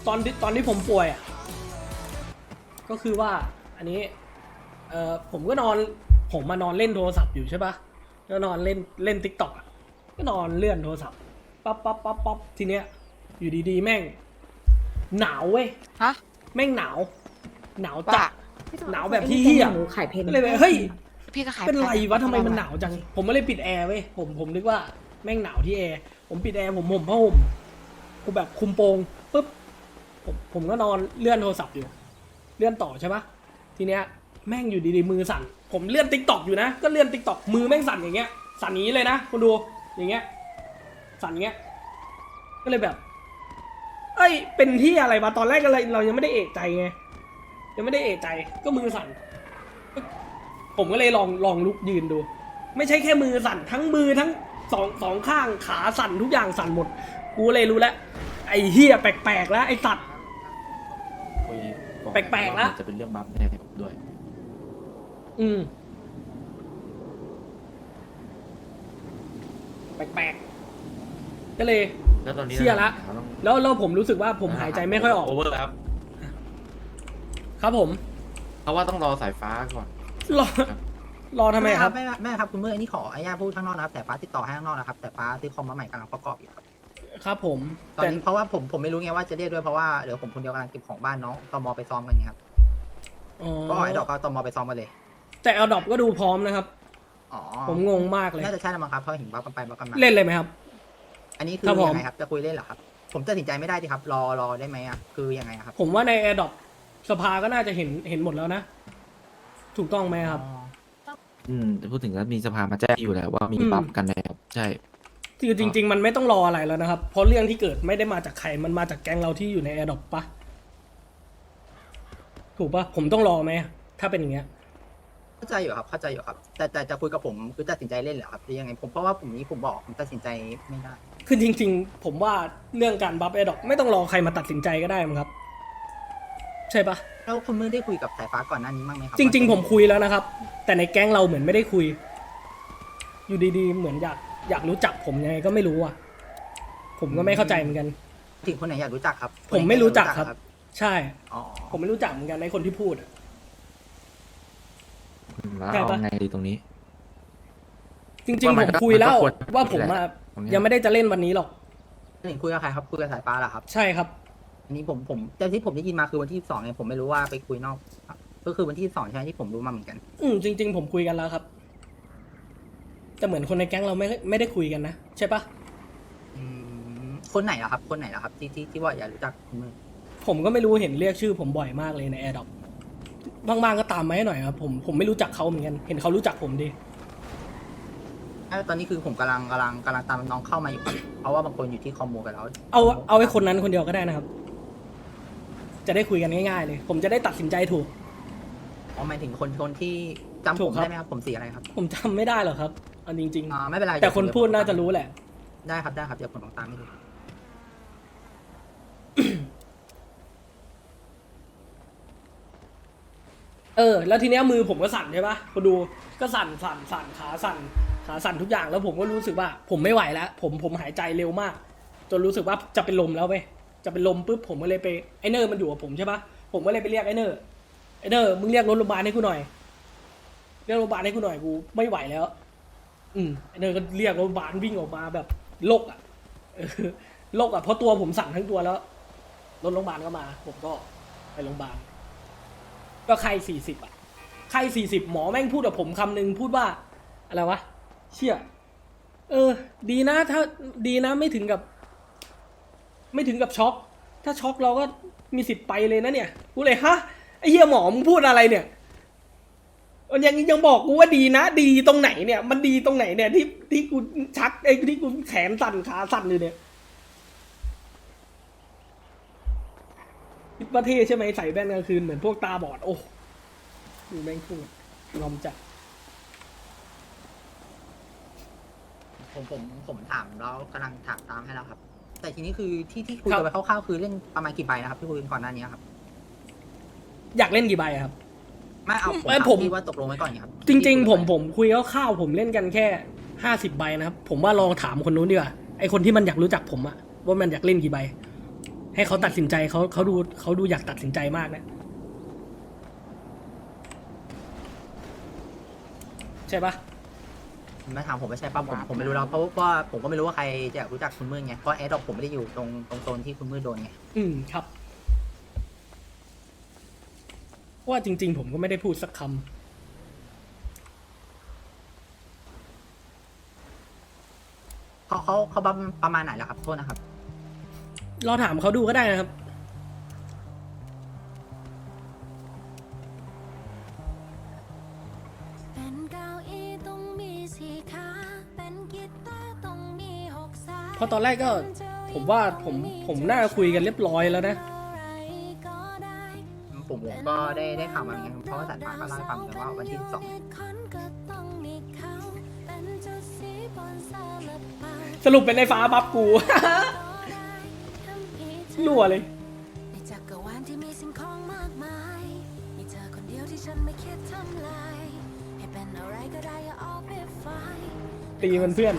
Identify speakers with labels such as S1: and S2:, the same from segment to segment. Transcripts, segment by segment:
S1: ตอนที่ผมป่วยอ่ะก็คือว่าอันนี้ผมก็นอนผมมานอนเล่นโทรศัพท์อยู่ใช่ปะก็นอนเล่นติ๊กต็อกก็นอนเลื่อนโทรศัพท์ปั๊บทีเนี้ยอยู่ดีๆแม่งหนาวเว้ย
S2: ฮะ
S1: แม่งหนาวจั
S2: ว่า
S1: ดหนาวแบบที่เหี้ย
S3: หนูขายเพน
S1: ก็เลยแบบเฮ้ย
S2: พี่ก็ขาย
S1: เป็นไรวะทำไมมันหนาวจังผมไม่เลยปิดแอร์เว้ยผมนึกว่าแม่งหนาวที่แอร์ผมปิดแอร์ผมห่มผ้าห่มกูแบบคุมโปงปุ๊บผมก็นอนเลื่อนโทรศัพท์อยู่เลื่อนต่อใช่ปะทีเนี้ยแม่งอยู่ดีๆมือสั่นผมเลื่อนติ๊กต็อกอยู่นะก็เลื่อนติ๊กต็อกมือแม่งสั่นอย่างเงี้ยสั่นอย่างนี้เลยนะคุณดูอย่างเงี้ยสั่นอย่างเงี้ยก็เลยแบบเอ้ยเป็นที่อะไรมาตอนแรกเรายังไม่ได้เอะใจไงยังไม่ได้เอะใจก็มือสั่นผมก็เลยลองลุกยืนดู ไม่ใช่แค่มือสั่นทั้งมือทั้งสองข้างขาสั่นทุกอย่างสั่นหมดกูเลยรู้แล้วไอ้เหี้ยแปลกๆแล้วไอ้สัตว์ แปลกๆละ
S4: จะเป็นเรื่องบัฟแน่ผมด้วย
S1: แปลกๆก็เลย
S4: แล้วตอนนี้
S1: เชื่อละ
S4: ต้อง
S1: แล้วผมรู้สึกว่าผมหายใจไม่ค่อยออก
S4: โอเวอร์ครับ
S1: ครับผม
S4: เพราะว่าต้องรอสายฟ้าก่อน
S1: รอรอทำไมครับ
S5: แม่ครับคุณเมื่ออันนี้ขออนุญาตพูดข้างนอกนะครับแต่ฟ้าติดต่อให้ข้างนอกนะครับแต่ฟ้าซื้อคอมมาใหม่กำลังประกอบอยู่ครับ
S1: ครับผม
S5: ตอน
S1: แต่
S5: นี้เพราะว่าผมไม่รู้ไงว่าจะเรียกด้วยเพราะว่าเดี๋ยวผมคนเดียวกำลังเก็บของบ้านน้องตมไปซ้อมกันนี่ครับ
S1: อ๋อ
S5: ก็ไอ้ดอกก็ตมไปซ้อมกันเลย
S1: แต่เอาดอบก็ดูพร้อมนะครับ
S5: อ๋อ
S1: ผมงงมากเลย
S5: น่าจะใช่แล้วมั้งครับเพราะเห็นว่ากันไปว่ากันมา
S1: เล่นเลยไหมครับ
S5: อันนี้คือ
S1: ครับผม
S5: ยังไงครับจะคุยเล่นเหรอครับผมตัดสินใจไม่ได้ดิครับรอได้ไหมอ่ะคือยังไงครับ
S1: ผมว่าในแอร์ดอปสภาก็น่าจะเห็นหมดแล้วนะ ถูกต้องไหมครับ
S4: จะพูดถึงแล้วมีสภามาแจ้งอยู่แล้วว่ามีบัฟกันแล้วใช่
S1: คือจริง ๆ มันไม่ต้องรออะไรแล้วนะครับ เพราะเรื่องที่เกิดไม่ได้มาจากใคร มันมาจากแก๊งเราที่อยู่ในแอร์ดอปปะถูกปะผมต้องรอไหมถ้าเป็นอย่างเงี้ย
S5: เข้าใจอยู่ครับเข้าใจอยู่ครับแต่จะคุยกับผมคือตัดสินใจเล่นเหรอครับหรือยังไงผมเพราะว่าผมบอกผมตัดสินใจไม่ได้
S1: คือจริง ๆ ผมว่าเรื่องการบัฟแอร์ดอปไม่ต้องรอใครมาตัดสินใจก็ได้มั้งครับ ใช่ปะ
S5: แล้วคุณมือได้คุยกับสายฟ้าก่อนหน้านี้บ้างไหมครั
S1: จริง ๆ ผมคุยแล้วนะครับ แต่ในแก๊งเราเหมือนไม่ได้คุย อยู่ดีๆ เหมือนอยากรู้จักผมยังไงก็ไม่รู้อ่ะ ผมก็ไม่เข้าใจเหมือนกัน
S5: ถึงคนไหนอยากรู้จักครับ
S1: ผมไม่รู้จักครับ ใช่
S5: อ๋อ
S1: ผมไม่รู้จักเหมือนกันในคนที่พูดอะ
S4: แล้ว
S1: ใช่
S4: เอา
S1: ปะ
S4: ไงดีตรงนี้
S1: จริง ๆ ผมคุยแล้วว่าผมอะ
S4: ตรงเนี้ย
S1: ยังไม่ได้จะเล่นวันนี้หรอก
S5: ถึงคุยกับใครครับคุยกับสายฟ้าเหรอครับ
S1: ใช่ครับ
S5: อันนี้ผมแต่ที่ผมได้ยินมาคือวันที่2ไงผมไม่รู้ว่าไปคุยนอกครับก็คือวันที่2ใช่ไหมที่ผมรู้มาเหมือนกัน
S1: จริง ๆ ผมคุยกันแล้วครับ แต่เหมือนคนในแก๊งเราไม่ได้คุยกันนะใช่ปะ
S5: คนไหนเหรอครับคนไหนเหรอครับที่ว่าอยากรู้จักคุณมือ
S1: ผมก็ไม่รู้เห็นเรียกชื่อผมบ่อยมากเลยในแอร์ดอปบางๆก็ตามมาให้หน่อยครับผมไม่รู้จักเขาเหมือนกันเห็นเขารู้จักผมดี
S5: ตอนนี้คือผมกำลังตามน้องเข้ามาอยู่ครับเพราะว่าบางคนอยู่ที่คอมมูกันแล้ว
S1: เอาไอ้คนนั้นคนเดียวก็ได้นะครับ จะได้คุยกันง่ายๆเลย ผมจะได้ตัดสินใจถูก
S5: อ๋อหมายถึงคนที่จำ
S1: ถู
S5: ผ
S1: ก
S5: ม
S1: ครับ
S5: ได้ไหมครับผมสีอะไรครับ
S1: ผมจำไม่ได้หรอกครับเอาจริง
S5: ไม่เป็นไร
S1: ๆ แต่คนพูดน่าจะรู้แหละ
S5: ได้ครับเดี๋ยวผมลองตามให้ดู
S1: แล้วทีเนี้ยมือผมก็สั่นใช่ปะพอดูก็สั่นขาสั่นทุกอย่างแล้วผมก็รู้สึกว่า ผมไม่ไหวแล้ว ผมหายใจเร็วมาก จนรู้สึกว่าจะเป็นลมแล้วเว้ยจะเป็นลมปุ๊บผมก็เลยไปไอเนอร์มันอยู่กับผมใช่ปะผมก็เลยไปเรียกไอเนอร์มึงเรียกรถโรงพยาบาลให้กูหน่อยเรียกรถโรงพยาบาลให้กูหน่อยกูไม่ไหวแล้วไอเนอร์ก็เรียกรถโรงพยาบาลวิ่งออกมาแบบโลกอ่ะโลกอ่ะเพราะตัวผมสั่นทั้งตัวแล้วรถโรงพยาบาลก็มา ผมก็ไปโรงพยาบาลก็ไข้40อ่ะไข้40หมอแม่งพูดกับผมคำนึงพูดว่าอะไรวะเชี่ยดีนะถ้าดีนะไม่ถึงกับช็อกถ้าช็อกเราก็มีสิทธิ์ไปเลยนะเนี่ยกูเลยฮะไอ้เหี้ยหมอมึงพูดอะไรเนี่ยมันยังบอกกูว่าดีนะดีตรงไหนเนี่ยมันดีตรงไหนเนี่ยที่กูชักที่กูแขนสั่นขาสั่นเลยเนี่ยคิดว่าเท่ใช่ไหมใส่แว่นกลางคืนเหมือนพวกตาบอดโอ้ดูแม่งพูดงอมจัด
S5: ผมถามแล้วกำลังถามตามให้แล้วครับ แต่ทีนี้คือที่คุยกันไปคร่าวๆคือเล่นประมาณกี่ใบนะครับที่คุยกันก่อนหน้านี้ครับ
S1: อยากเล่นกี่ใบอะครับ
S5: ไม่เอาผม
S1: ไม่
S5: ถาม
S1: ผม
S5: พี่ว่าตกลงไว้ก่อนครับ
S1: จริงๆผมคุยคร่าวๆผมเล่นกันแค่50 ใบนะครับผมว่าลองถามคนนู้นดีกว่าไอคนที่มันอยากรู้จักผมอะว่ามันอยากเล่นกี่ใบให้เขาตัดสินใจเขาดูอยากตัดสินใจมากนะใช่ปะ
S5: มาถามผมไม่ใช่ป่ะผมไม่รู้แล้วเพราะว่าผมก็ไม่รู้ว่าใครจะรู้จักคุณมืดไงเพราะแอร์ดรอปผมไม่ได้อยู่ตรงโซนที่คุณมืดโดนไง
S1: ครับว่าจริง ๆ ผมก็ไม่ได้พูดสักคำ
S5: เขาประมาณไหนแล้วครับโทษนะครับ
S1: รอถามเขาดูก็ได้นะครับ
S2: เป็นเก้าอี้ต้องมีสี่ขาเป็นกีตาร์ต้องมี6 สาย
S1: เพราะตอนแรกก็ผมว่าผมน่าคุยกันเรียบร้อยแล้วนะ
S5: ผมก็ได้ข่าวมาเหมือนกันเพราะว่าสายฟ้าก็เล่าให้ฟังเหมือนกันว่าวันที่12
S1: สรุปเป็นไอ้ฟ้าบัฟกู รั่วเลย
S2: ในจักรวาลที่มีสิ่งของมากมายมีเธอคนเดียวที่ฉันไม่คิดทำลายให้เป็นอะไรก็ได้อย่าเอาไปฝ่าย
S1: ตีมันเพื่อน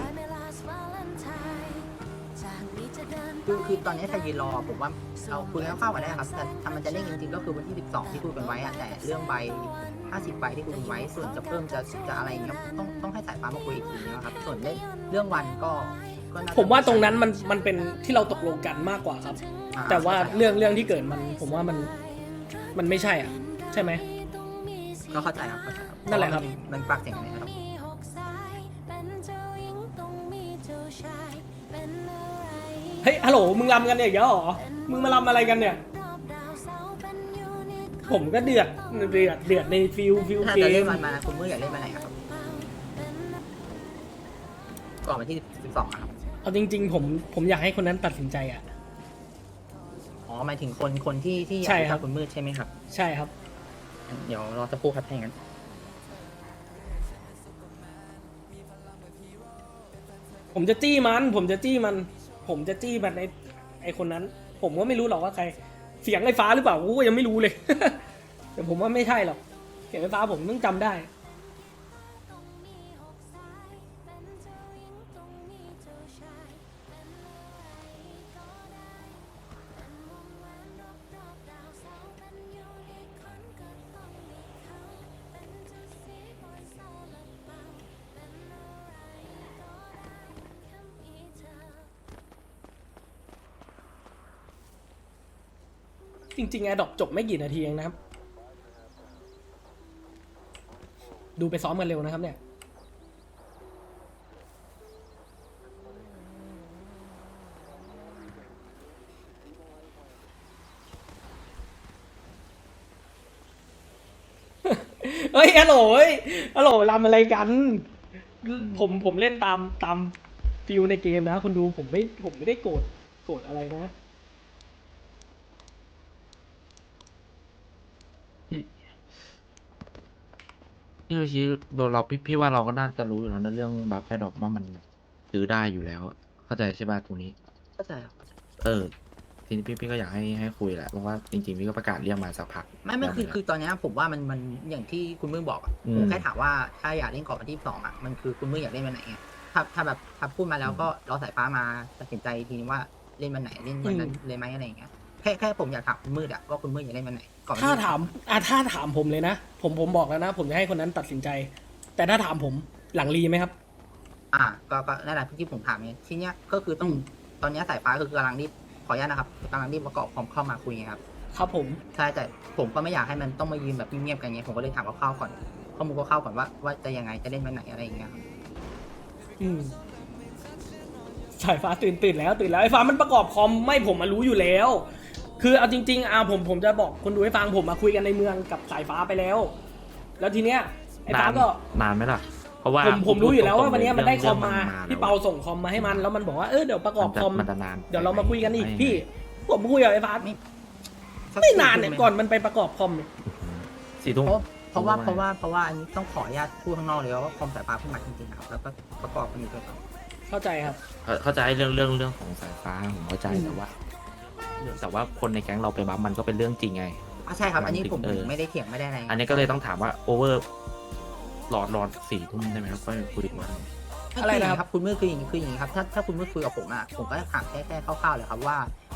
S5: คือตอนนี้ถ้ายืนรอผมว่าเราคุยกันเข้ากันได้ครับแต่ถ้ามันจะเร่งจริงๆก็คือวันที่12ที่คุยกันไว้อะแต่เรื่องใบ50ใบที่คุยกันไว้ส่วนจะเพิ่มจะอะไรเงี้ยต้องให้สายฟ้ามาคุยอีกทีนะครับส่วนเรื่องวันก็น่จะ
S1: ผมว่าตรงนั้นมันเป็นที่เราตกลงกันมากกว่าครับ แต่ว่าเรื่องที่เกิดผมว่ามันไม่ใช่อ่ะ ใช่ไหม
S5: ก็เข้าใจครับเข้าใจครับ
S1: นั่นแหละครับ
S5: มันปากเสียงกันนะครับ
S1: เฮ้ยฮัลโหลมึงรำกันเนี่ยอีกแล้วเหรอมึงมารำอะไรกันเนี่ย ผมก็เดือดในฟิล
S5: ถ้า
S1: เก
S5: จะเล่
S1: ม
S5: นวันมาคุณมืออยากเล่นวันไหนครับก่อนวันที่12ครับ
S1: เอาจริง ๆ ผมอยากให้คนนั้นตัดสินใจอ่ะ
S5: อ๋อหมายถึงคนที่อยาก
S1: ใช่
S5: รู้
S1: ครั
S5: จั
S1: บ
S5: กคุณมืดใช่ไหมครับ
S1: ใช่ครับ
S5: เดี๋ยวรอสักครู่ครับถ้าอย่างนั้น
S1: ผมจะจี้มันไอคนนั้น ผมก็ไม่รู้หรอกว่าใคร เสียงไอ้ฟ้าหรือเปล่ากูก็ยังไม่รู้เลย แต่ผมว่าไม่ใช่หรอก เสียงไอ้ฟ้าผมต้องจำได้ จริงๆแอร์ดรอปจบไม่กี่นาทีเองนะครับ ดูไปซ้อมกันเร็วนะครับเนี่ย เฮ้ยฮัลโหลรำอะไรกัน ผมเล่นตามฟิลในเกมนะคุณดูผมไม่ได้โกรธอะไรนะ
S4: พี่โยชิพี่ว่าเราก็น่าจะรู้อยู่แล้วนะเรื่องบัฟแพดดอกว่ามันซื้อได้อยู่แล้ว เข้าใจใช่ป่ะตรงนี้
S5: เข้าใจครับ
S4: ทีนี้พี่ก็อยากให้คุยแหละเพราะว่าจริงๆพี่ก็ประกาศเรียกมาสักพัก
S5: ไม่คือตอนเนี้ยผมว่ามันอย่างที่คุณมือบอกอะ
S4: อืม
S5: ผมแค่ถามว่าถ้าอยากเล่นก่อนวันที่12อะมันคือคุณมืออยากเล่นวันไหนไงถ้าแบบถ้าพูดมาแล้วก็รอสายฟ้ามาตัดสินใจอีกทีนึงว่าเล่นวันไหนเล่นวันนั้นเลยไหมอะไรอย่างเงี้ยแค่ผมอยากถามคุณมืดอะว่าคุณมืดอยากเล่นวันไหนก่อนวัน
S1: ถ้า
S5: ที่
S1: ถามผมเลยนะ ผมบอกแล้วนะ ผมจะให้คนนั้นตัดสินใจ แต่ถ้าถามผมหลังรีไหมครับ
S5: ก็นั่นแหละที่ผมถามไงทีเนี้ยก็คือต้องตอนเนี้ยสายฟ้าคือกำลังรีบขออนุญาตนะครับกำลังรีบประกอบพร้อมเข้ามาคุยไงครับ
S1: ครับผม
S5: ใช่แต่ผมก็ไม่อยากให้มันต้องมายืนแบบเงียบๆกันไงผมก็เลยถามคร่าวๆก่อนข้อมูลคร่าวๆก่อนว่าจะยังไงจะเล่นวันไหนอะไรอย่างเงี้ยครับ
S1: อืมสายฟ้าตื่นแล้วไอ้ฟ้ามันประกอบคอมไม่ผมมารู้อยู่แล้ว คือเอาจริงๆผมจะบอกคนดูให้ฟังผมมาคุยกันในเมืองกับสายฟ้าไปแล้ว แล้วทีเนี้ยไอ้ฟ้าก็
S4: นานไหมล่ะ เพราะว่า
S1: ผมรู้อยู่แล้วว่าวันเนี้ยมันได้คอมมา
S4: แล้ว
S1: พี่เปาส่งคอมมาให้มันแล้วมันบอกว่าเดี๋ยวประกอบคอม
S4: มันจะนาน
S1: เดี๋ยวเรามาคุยกันอีกพี่ ผมคุยกับไอ้ฟ้าไม่นานเนี่ยก่อนมันไปประกอบคอมเนี่ย
S4: 4 ทุ่ม
S5: เพราะว่าอันนี้ต้องขออนุญาตพูดข้างนอกเลยว่าคอมสายฟ้าเพิ่งมาจริงๆครับแล้วก็ประกอบกันอยู่ด้วยกัน
S1: เข้าใจครับ
S4: เข้าใจเรื่องของสายฟ้าผมเข้าใจแต่ว่าคนในแก๊งเราไปบัฟมันก็เป็นเรื่องจริงไง
S5: ใช่ครับอันนี้ผม
S4: เออ
S5: ไม่ได้เถียงไม่ได้อะไร
S4: อันนี้ก็เลยต้องถามว่าโอเวอร์รอ 4 ทุ่มได้ไหมครับก็คุยกัน
S1: อะไรนะครับ
S5: คุณมือคืออย่างนี้ครับถ้าคุณมือคุยกับผมอะผมก็ถามแค่คร่าวๆเลยครับว่า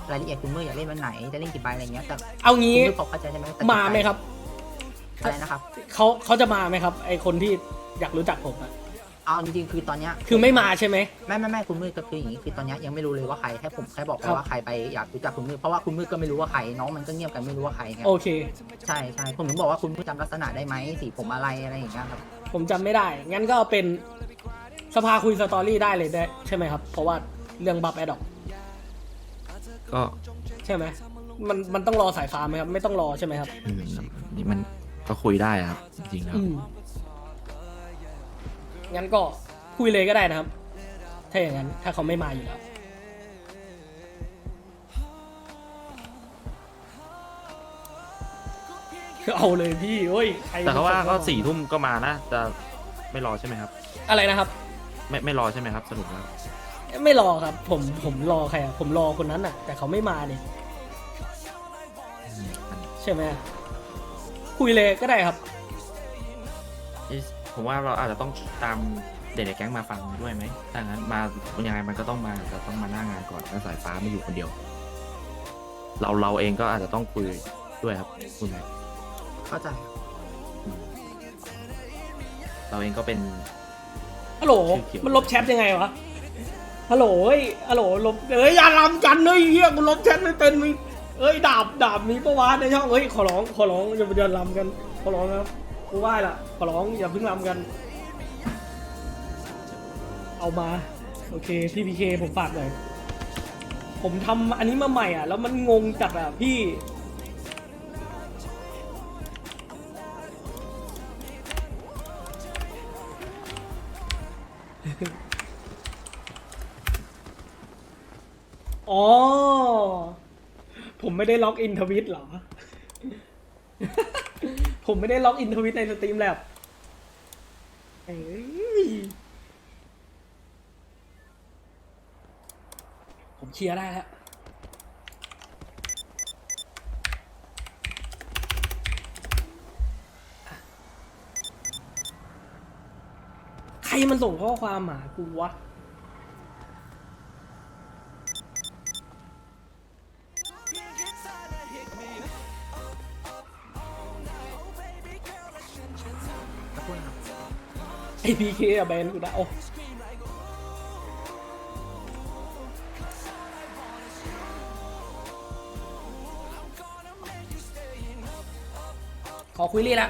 S5: รายละเอียดคุณมืออยากเล่นวันไหนจะเล่นกี่ใบอะไรเงี้ยแต่
S1: เอา
S5: คุณ
S1: งี้
S5: มือพอเข้าใจใช่ไหมแต่
S1: มาไหมครับ
S5: อะไรนะครับ
S1: เขาจะมาไหมครับ ไอคนที่อยากรู้จักผมอะ
S5: เอาจริงๆคือตอนเนี้ย
S1: คือไม่มาใช่ไหม
S5: ไม่คุณมือก็คืออย่างนี้คือตอนเนี้ยยังไม่รู้เลยว่าใครผมแค่บอกไป
S1: ครับ
S5: ว่าใครไปอยากรู้จักคุณมือเพราะว่าคุณมือก็ไม่รู้ว่าใครน้องมันก็เงียบกันไม่รู้ว่าใครไง
S1: โอเค
S5: ใช่ผมถึงบอกว่าคุณมือจำลักษณะได้ไหมสีผมอะไรอย่างเงี้ยครับ
S1: ผมจำไม่ได้ งั้นก็เอาเป็นสภาคุยสตอรี่ได้เลยได้ใช่ไหมครับ เพราะว่าเรื่องบัฟแอดดอก
S4: ก็
S1: ใช่ไหมมันต้องรอสายฟ้าไหมครับ ไม่ต้องรอใช่ไหมครับ
S4: นี่มันก็คุยได้ครับ จริงๆแล้ว
S1: งั้นก็คุยเลยก็ได้นะครับ ถ้าอย่างนั้น ถ้าเขาไม่มาอยู่แล้ว เอาเลยพี่โอ้ยใคร
S4: แต่เขาว่าก็4 ทุ่มก็มานะจะไม่รอใช่ไหมครับ
S1: อะไรนะครับ
S4: ไม่รอใช่ไหมครับสรุปแล้ว
S1: ไม่รอครับ ผมรอใครอ่ะ ผมรอคนนั้นอ่ะ แต่เขาไม่มาเนี่ยใช่ไหมคุยเลยก็ได้ครับ
S4: ผมว่าเราอาจจะต้องตามเด็กในแก๊งมาฟังด้วยไหมถ้างั้นมายังไงมันก็ต้องมาจะต้องมาหน้างานก่อนแล้วสายฟ้าไม่อยู่คนเดียว เราเองก็อาจจะต้องคุยด้วยครับคุณแม่
S5: เข้าใจ
S4: เราเองก็เป็น
S1: ฮัลโหล
S4: ชื่อเขียว
S1: มันลบแชทยังไงวะ ฮัลโหลเอ้ยฮัลโหลลบอย่าลำกันเลยเฮียกูลบแชทไม่เป็นมีดาบมีปะวะในช่องขอร้องอย่าลำกันขอร้องครับกูไหว้ละขอร้องอย่าเพิ่งลำกัน เอามาโอเคพี่พีเคผมฝากหน่อยผมทำอันนี้มาใหม่อ่ะแล้วมันงงจัดอ่ะพี่อ๋อผมไม่ได้ล็อกอินทวิตเหรอ ผมไม่ได้ล็อกอินทวิตในสตรีมแลบเอ้ยผมเคลียร์ได้แล้วใครมันส่งข้อความหากูวะ
S5: ขอบคุณครับ
S1: ไอพีเคอะแบนกูนะโอ้ขอคุยเรียละ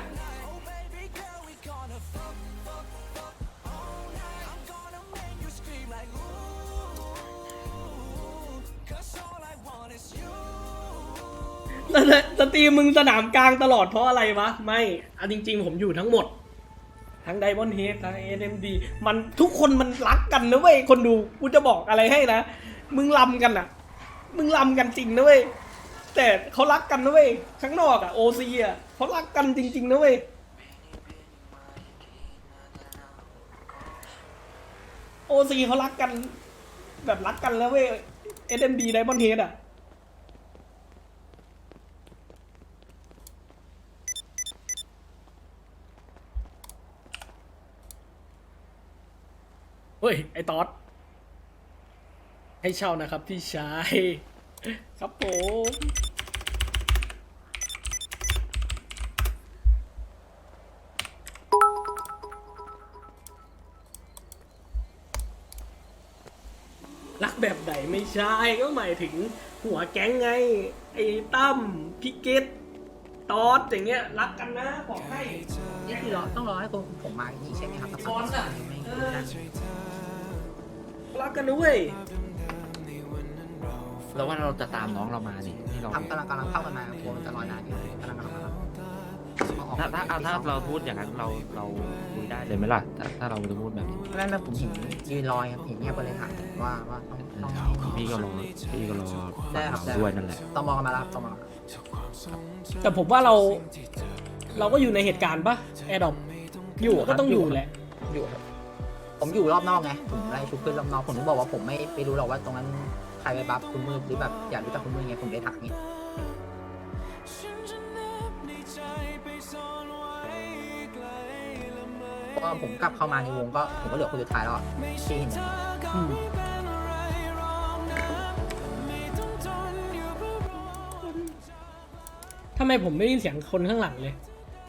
S1: สตรีมมึงสนามกลางตลอดเพราะอะไรวะ ไม่เอาจริงๆผมอยู่ทั้งหมด ทั้งไดมอนด์เฮดทั้ง SMD มันทุกคนมันรักกันนะเว้ยคนดูกูจะบอกอะไรให้นะมึงลำกันอ่ะมึงลำกันจริงนะเว้ยแต่เขารักกันนะเว้ยข้างนอกอ่ะโอซีอ่ะเขารักกันจริงๆนะเว้ยโอซีเขารักกันแบบรักกันแล้วเว้ย SMD ไดมอนด์เฮดอ่ะเฮ้ยไอ้ตอดให้เช่านะครับพี่ชายครับผมรักแบบไหนไม่ใช่ก็หมายถึงหัวแก๊งไง ไอ้ตั้มพี่เกตตอดอย่างเงี้ยรักกันนะบอกให้
S5: นี่คือต้องรอให้ผมมาอีกใช่ไหมครับ
S1: ก่อนอ่ะ
S5: ไม่
S1: รักกันนะเว้ย
S4: แล้วว่าเราจะตามน้องเรามานี่ที่เรา
S5: กำลังเข้ากันมาโอ้จะรอนานอยู่กำลังเข้ามา
S4: ถ้าเราพูดอย่างนั้นเราคุยได้เลยไหมล่ะถ้าเราจะพูดแบบนี้
S5: ไม่ผมเห็นยืนรอยครับเห็นเงียบไปเลยถามว่าต้อง
S4: พี่ก็รอฟังเราด้วยนั่นแหละ
S5: ต้องมองกันมาแล้วต้องมอง
S1: แต่ผมว่าเราก็อยู่ในเหตุการณ์ปะแอร์ดอปอยู่ก็ต้องอยู่แหละ
S5: อยู่ครับผมอยู่รอบนอกไงผมไล่ชุบขึ้นรอบนอกผมถึงบอกว่าผมไม่รู้หรอกว่าตรงนั้นใครไปบัฟคุณมืดหรือแบบอยากรู้จักคุณมืดไงผมเลยถามนี่เพราะว่าผมกลับเข้ามาในวงก็ผมก็เหลือคนสุดท้ายแล้วที่เห็น
S1: ทำไมผมไม่ได้ยินเสียงคนข้างหลังเลย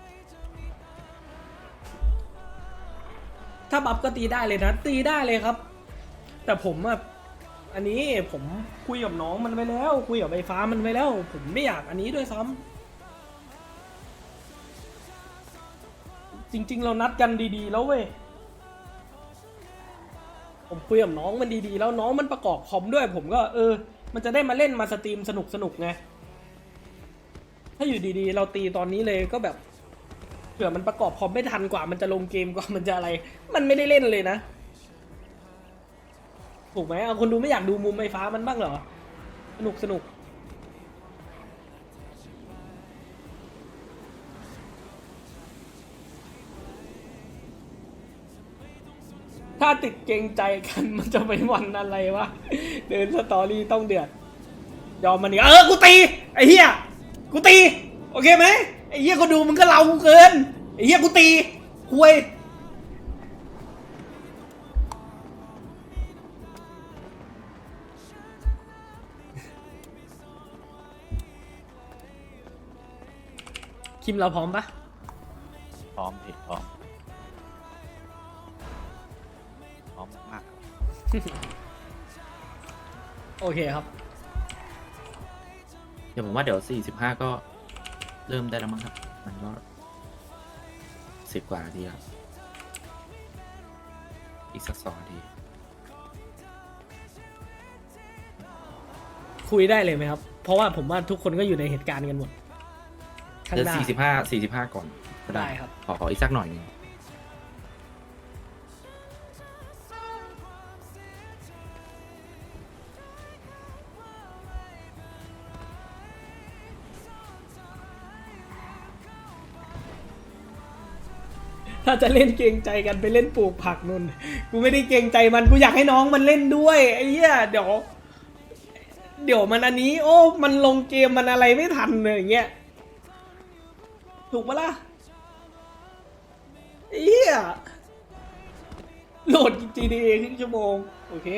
S1: ถ้าบัฟก็ตีได้เลยนะ ตีได้เลยครับ แต่ผมอะอันนี้ผมคุยกับน้องมันไปแล้ว คุยกับไอ้ฟ้ามันไปแล้ว ผมไม่อยากอันนี้ด้วยซ้ำจริง ๆ เรานัดกันดีๆแล้วเว้ย ผมคุยกับน้องมันดีๆแล้วน้องมันประกอบคอมด้วย ผมก็มันจะได้มาเล่นมาสตรีมสนุกไง ถ้าอยู่ดีๆ เราตีตอนนี้เลยก็แบบเผื่อมันประกอบคอมไม่ทันกว่ามันจะลงเกมกว่ามันจะอะไร มันไม่ได้เล่นเลยนะ ถูกไหมเอาคนดูไม่อยากดูมุมไอ้ฟ้ามันบ้างเหรอ สนุกถ้าติดเกรงใจกันมันจะไปวันอะไรวะ เดินสตอรี่ต้องเดือด ยอมมันอีกกูตีไอ้เหี้ยกูตีโอเคไหมไอ้เหี้ยก็ดูมึงก็เราเกินไอ้เหี้ยกูตีคุยคิมเราพร้อมปะ
S3: พร้อมพี่พร้อมมาก
S1: โอเคครับ
S4: เดี๋ยวผมว่าเดี๋ยว45ก็เริ่มได้แล้วมั้งครับ มันก็10 กว่านาทีแล้วอีกสัก2 นาที
S1: คุยได้เลยไหมครับ เพราะว่าผมว่าทุกคนก็อยู่ในเหตุการณ์กันหมดข้าง
S4: เดี๋ยว
S1: หน้า
S4: 45ก่อนก็
S1: ได้ครับ
S4: ขออีกสักหน่อยหนึง
S1: ถ้าจะเล่นเกรงใจกันไปเล่นปลูกผักนุ่น กูไม่ได้เกรงใจมัน กูอยากให้น้องมันเล่นด้วยไอ้เหี้ยเดี๋ยวมันอันนี้ โอ้ มันลงเกมมันอะไรไม่ทันเลยอย่างเงี้ย ถูกปะล่ะไอ้เหี้ยโหลด GTA ครึ่งชั่วโมง โอเค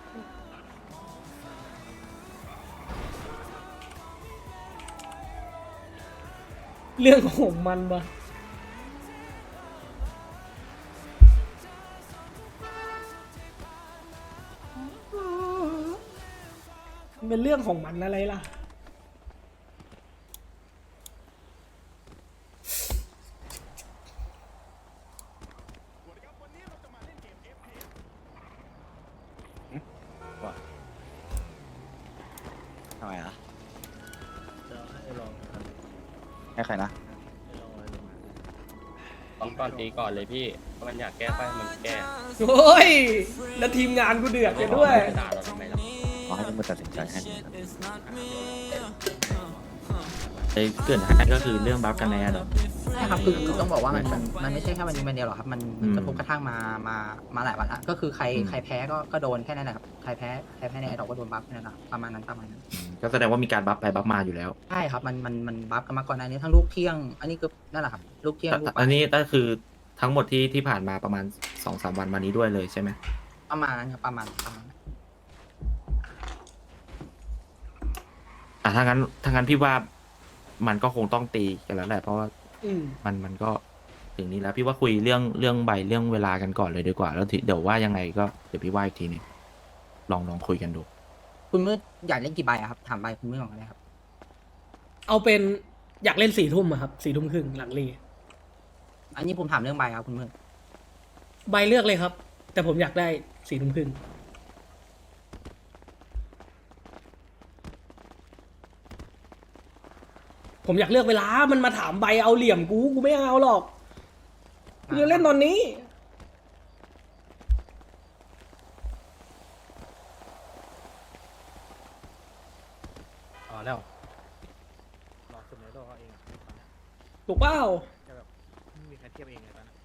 S1: เรื่องของมันปะมันเป็นเรื่องของมันอะไรล่ะ
S3: ทำไมอ่ะให้ใครนะ
S6: ต้องก่อนตีก่อนเลยพี่ถ้ามันอยากแก้ไขมันแก้
S1: โอ้ย แล้วทีมงานกูเดือดกันด้วย
S6: ด่าเราทำไมล่ะ
S3: ขอให้ทุกคนตัดสินใจให้ดีครับ
S4: เกิดให้ก็คือเรื่องบัฟกันในอะเนาะ
S5: ใช่ครับคือต้องบอกว่ามันไม่ใช่แค่วันนี้วันเดียวหรอกครับ มันกระทบกระทั่งมาหลายวันละก็คือใครแพ้ก็โดนแค่นั้นแหละครับใครแพ้ในไอดอกก็โดนบัฟแค่นั้นแหละประมาณนั้น
S4: ก็แสดงว่ามีการบัฟไปบัฟมาอยู่แล้ว
S5: ใช่ครับมันบัฟกันมาก่อนหน้านี้ทั้งลูกเที่ยง อันนี้ก็นั่นแหละครับลูกเที่ยงลูก
S4: อันนี้ก็คือทั้งหมดที่ผ่านมาประมาณ 2-3 วันมานี้ด้วยเลยใช่ไหม
S5: ประมาณนั้นครับประมาณนั้น
S4: ถ้างั้นพี่ว่ามันก็คงต้องตีกันแล้วแหละเพราะว่า
S1: อืม
S4: มันก็ถึงนี้แล้วพี่ว่าคุยเรื่องใบเรื่องเวลากันก่อนเลยดีกว่า แล้วเดี๋ยวว่ายังไงก็เดี๋ยวพี่ว่าอีกทีนึงลองคุยกันดู
S5: คุณมืดอยากเล่นกี่ใบอะครับถามใบคุณมืดก่อนก็ได้ครับ
S1: เอาเป็นอยากเล่น4 ทุ่มอะครับ4 ทุ่มครึ่งหลังรี
S5: อันนี้ผมถามเรื่องใบครับคุณมืด
S1: ใบเลือกเลยครับ แต่ผมอยากได้4 ทุ่มครึ่งผมอยากเลือกเวลา มันมาถามใบเอาเหลี่ยมกูไม่เอาหรอกกูจะเล่นตอนนี้
S7: แล้วรอสุดในโลกเขาเอง
S1: ถูกเปล่า
S7: จะแบบไม่มีใครเทียบเองเลยตอนนั้น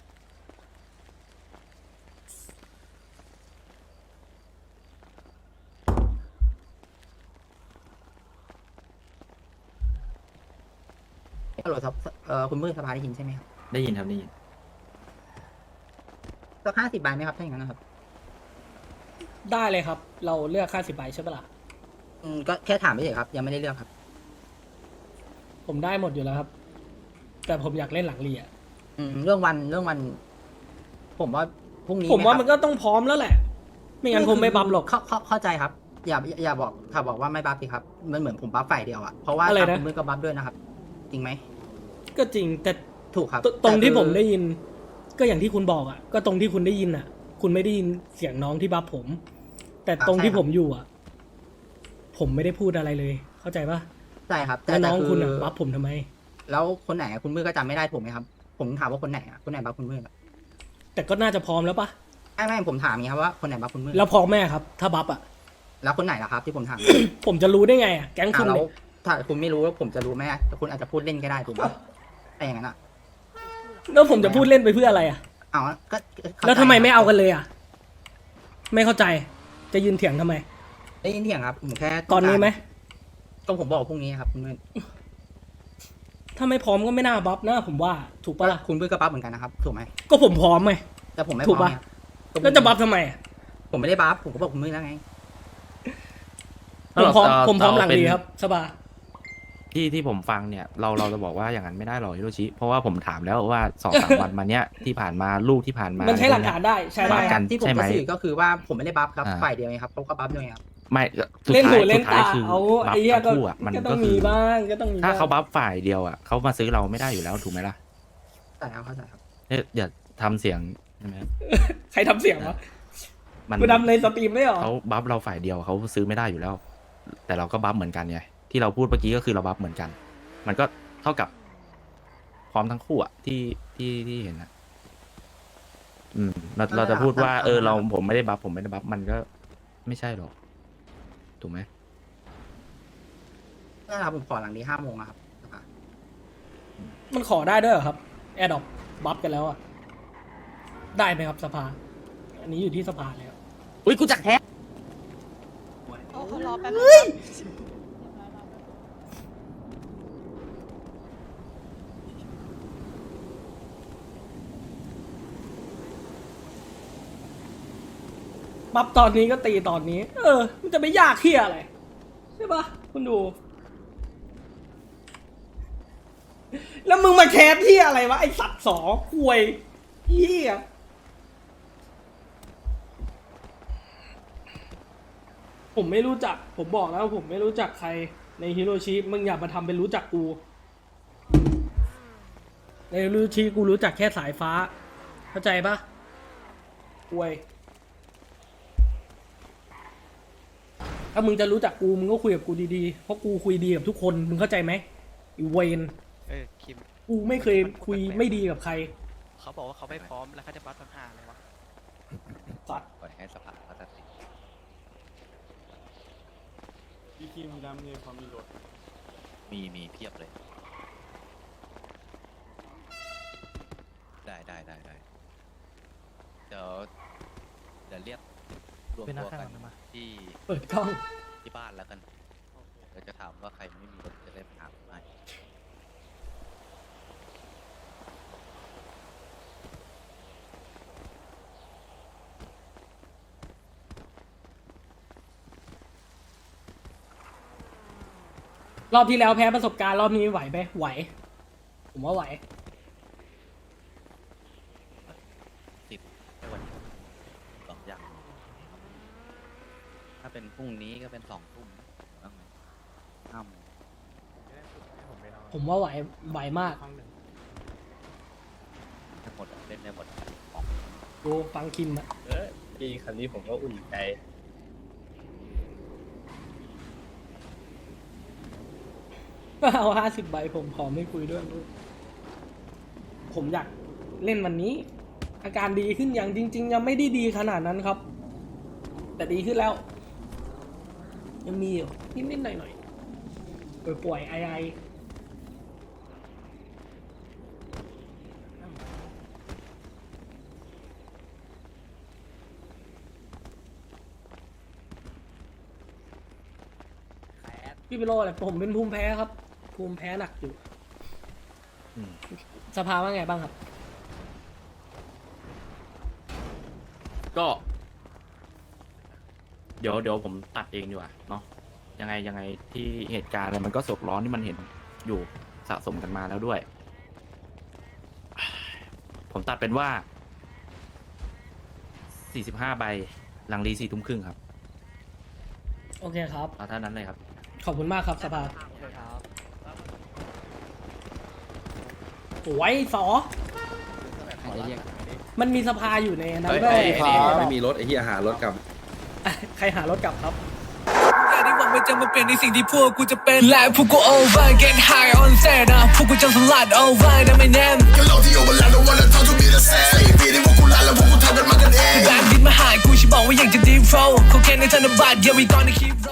S5: ฮัลโหลครับคุณมืดสภาได้ยินใช่ไหมครับ
S4: ได้ยินครับได้ยิน
S5: สัก50 ใบไหมครับถ้าอย่างนั้นนะครับ
S1: ได้เลยครับ เราเลือกค่า10 ใบใช่ปะล่ะ
S5: ก็แค่ถามไม่เฉยครับยังไม่ได้เลือกครับ
S1: ผมได้หมดอยู่แล้วครับ แต่ผมอยากเล่นหลังเรีย
S5: เรื่องวัน ผมว่าพรุ่งนี้
S1: ผมว่า
S5: ไห
S1: มันก็ต้องพร้อมแล้วแหละ ไม่งั้นผมไม่บัฟหรอก
S5: เข้าใจครับ อย่าบอกถ้าบอกว่าไม่บัฟสิครับมันเหมือนผมบัฟฝ่ายเดียวอะเพราะว่า
S1: อะไรนะ
S5: ทางคุณมือก็บัฟด้วยนะครับ จริงไหม
S1: ก็จริงแต่
S5: ถูกครับ
S1: ตรงที่
S5: แต่คือ
S1: ผมได้ยิน ก็อย่างที่คุณบอกอ่ะ ก็ตรงที่คุณได้ยินอ่ะ คุณไม่ได้ยินเสียงน้องที่บัฟผม แต่ตรงที่ผมอยู่อ่ะ ผมไม่ได้พูดอะไรเลย เข้าใจปะ
S5: ใช่ครับ
S1: แล้วน้อง
S5: แต่
S1: คุณอ่ะบัฟผมทำไม
S5: แล้วคนไหนอะคุณมือก็จำไม่ได้ถูกไหมครับ ผมถามว่าคนไหนอะคนไหนบัฟคุณมืออะ
S1: แต่ก็น่าจะพร้อมแล้วปะ
S5: ไม่ผมถามอย่างนี้ครับว่าคนไหนบัฟคุณมือ
S1: แล้วพร้อมแม่ครับ ถ้าบัฟอ่ะ
S5: แล้วคนไหนล่ะครับที่ผมถาม
S1: ผมจะรู้ได้ไงอ่ะแก๊งคุณ
S5: แล้ว
S1: เนี่ย
S5: ถ้าคุณไม่รู้แล้วผมจะรู้ไหมอะแต่คุณอาจจะพูดเล่นก็ได้ถูกไหมแต่อย่างนั้นอะ
S1: แล้วผมจะพูดเล่นไปเพื่ออะไรอ่ะ
S5: เอาก็เข้าใจ
S1: แล้วทำไมไม่เอากันเลยอ่ะ ไม่เข้าใจ จะยืนเถียงทำไม
S5: ได้ยินเถียงครับผมแค่
S1: ตอนนี้ไหม
S5: ก็ผมบอกพรุ่งนี้ครับคุณมือ
S1: ถ้าไม่พร้อมก็ไม่น่าบัฟนะผมว่า ถูกปะล่ะ
S5: คุณมือก็บัฟเหมือนกันนะครับถูกไหม
S1: ก็ผมพร้อมไง
S5: แต่ผมไม่พ
S1: ถู
S5: ร้
S1: ก
S5: อม
S1: ปะ
S5: เนี่ย
S1: แล้วจะบัฟทำไมอะ
S5: ผมไม่ได้บัฟผมก็บอกคุณมือแล้วไง
S1: ผมพร้อม
S4: เรา
S1: ผมพร้อมหลัง
S4: เป็น
S1: ดีครับสบาย
S4: ที่ผมฟังเนี่ยเราจะบอกว่าอย่างนั้นไม่ได้หรอกฮิโรชิเพราะว่าผมถามแล้วว่าสองสาม วันมาเนี้ยที่ผ่านมาลูกที่ผ่านมา
S1: มันใช้หลักฐานได้ใช้ได้
S4: บัฟกัน
S5: ที่ผม
S4: ใช่ไหม
S5: จะสื่อก็คือว่าผมไม่ได้บัฟครับ
S4: อ่า
S5: ฝ่ายเดียวไงครับเขาก็บัฟด้วยไงครับ
S4: ไม่สุด
S1: เล่น
S4: ท้า
S1: หู
S4: ย
S1: เล่
S4: สุ
S1: น
S4: ดท้าย
S1: ตา
S4: คือ
S1: เอา
S4: บัฟ
S1: ไอ้เหี้ย
S4: ทั้
S1: ก็
S4: งคู่อ่ะมัน
S1: ก็ต้
S4: ก็
S1: อง
S4: คื
S1: มี
S4: อ
S1: บ้างก็ต้องมี
S4: ถ้า
S1: บ้าง
S4: เขาบัฟฝ่ายเดียวอ่ะเขามาซื้อเราไม่ได้อยู่แล้วถูกไหมล่ะ
S5: แต่เข้าใจครับ
S4: เนี่ยอย่าทำเสียงใช่ไหม
S1: ใครทำเสียงวะ
S4: มัน
S1: กูทำในสตรีมได้หรอ
S4: เขาบัฟเราฝ่ายเดียวเขาซื้อไม่ได้อยู่แล้ว แต่เราก็บัฟเหมือนกันไงที่เราพูดเมื่อกี้ก็คือเราบัฟเหมือนกัน มันก็เท่ากับพร้อมทั้งคู่อ่ะที่เห็นนะเราจะพูดว่าผมไม่ได้บัฟมันก็ไม่ใช่หรอกถูกไหม
S5: นี่นแหละครับผมขอหลังนี้5 โมงนะครับ
S1: มันขอได้ด้วยเหรอครับแอดดอปบัฟกันแล้วอ่ะ ได้ไหมครับสภา อันนี้อยู่ที่สภาแล้ว
S4: อุ้ยกูจักแท้
S8: รอแป๊บ
S1: บัฟตอนนี้ก็ตีตอนนี้ มันจะไม่ยากเที่ยอะไร ใช่ปะคุณดู แล้วมึงมาแคสที่อะไรวะ ไอสัตว์สอควยเหี้ยผมไม่รู้จัก ผมบอกแล้วผมไม่รู้จักใครในฮิโรชิ มึงอย่ามาทำเป็นรู้จักกู ในฮิโรชิกูรู้จักแค่สายฟ้า เข้าใจปะควย ถ้ามึงจะรู้จักกูมึงก็คุยกับกูดีๆ เพราะกูคุยดีกับทุกคน มึงเข้าใจไหมอีเวน
S8: คิม
S1: กูไม่เคยคุยไม่ดีกับใคร
S8: เขาบอกว่าเขาไม่พร้อมแล้วเขาจะบัฟทำห่าเลยวะ
S1: สัตว์
S3: ปล่อยให้สภาเขาตัดสิน
S9: พี่คิมดำเนี่ยพอมีรถ
S3: มีเพียบเลย ได้เดี๋ยวเรียกรวมตัวกันที่
S1: เปิดกล้อง
S3: ที่บ้านแล้วกันเดี๋ยวจะถามว่าใครไม่มีรถจะได้ถามไหม
S1: รอบที่แล้วแพ้ประสบการณ์รอบนี้ไหวไหมไหว ผมว่าไหว
S3: 10ในวันนี้2 อย่าง ถ้าเป็นพรุ่งนี้ก็เป็น2 ทุ่มบ้างไหม5 โมง
S1: ผมว่าไหว ไหวมาก
S3: ทั้งหมดเล่นได้หมด
S1: ดูฟังคิมอะ
S6: พี่คันนี้ผมก็อุ่นใจ
S1: เอา50 ใบผมขอไม่คุยด้วยลูกผมอยากเล่นวันนี้ อาการดีขึ้นอย่างจริง ๆ ยังไม่ได้ดีขนาดนั้นครับ แต่ดีขึ้นแล้ว ยังมีอยู่นิดๆหน่อยๆป่วยๆไอพี่เป็นโรคอะไรผมเป็นภูมิแพ้ครับ ภูมิแพ้หนักอยู่ สภาว่าไงบ้างครับ
S4: ก็ เดี๋ยวผมตัดเองดีกว่าเนาะยังไงที่เหตุการณ์อะไรมันก็สกร้อนที่มันเห็นอยู่สะสมกันมาแล้วด้วย ผมตัดเป็นว่า 45 ใบหลังรี4 ทุ่มครึ่งครับ
S1: โอเคครับ
S4: เอาเท่านั้นเลยครับ
S1: ขอบคุณมากครับสภา
S8: โอเคครับ
S1: โอ้ยสอมันมีสภาอยู่ในนั้นด้วย
S10: ไม่มีรถไอ้เหี้ยหารถกลับ
S1: ใครหารถกลับครับ
S11: อย่าได้หวังว่าจะมาเป็นในสิ่งที่พวกกูจะเป็นและพวกกู over get high on set นะพวกกูจะสลัด over นะไม่แน่ก็โลกที่ over แล้ว don't wanna talk to me the same สี่ปีที่พวกกูลาแล้วพวกกูทำกันมากันเองแบงค์ดินมาหากูฉันบอกว่าอยากจะ deep flow เขาแค่ในธนบัตร yeah we gonna keep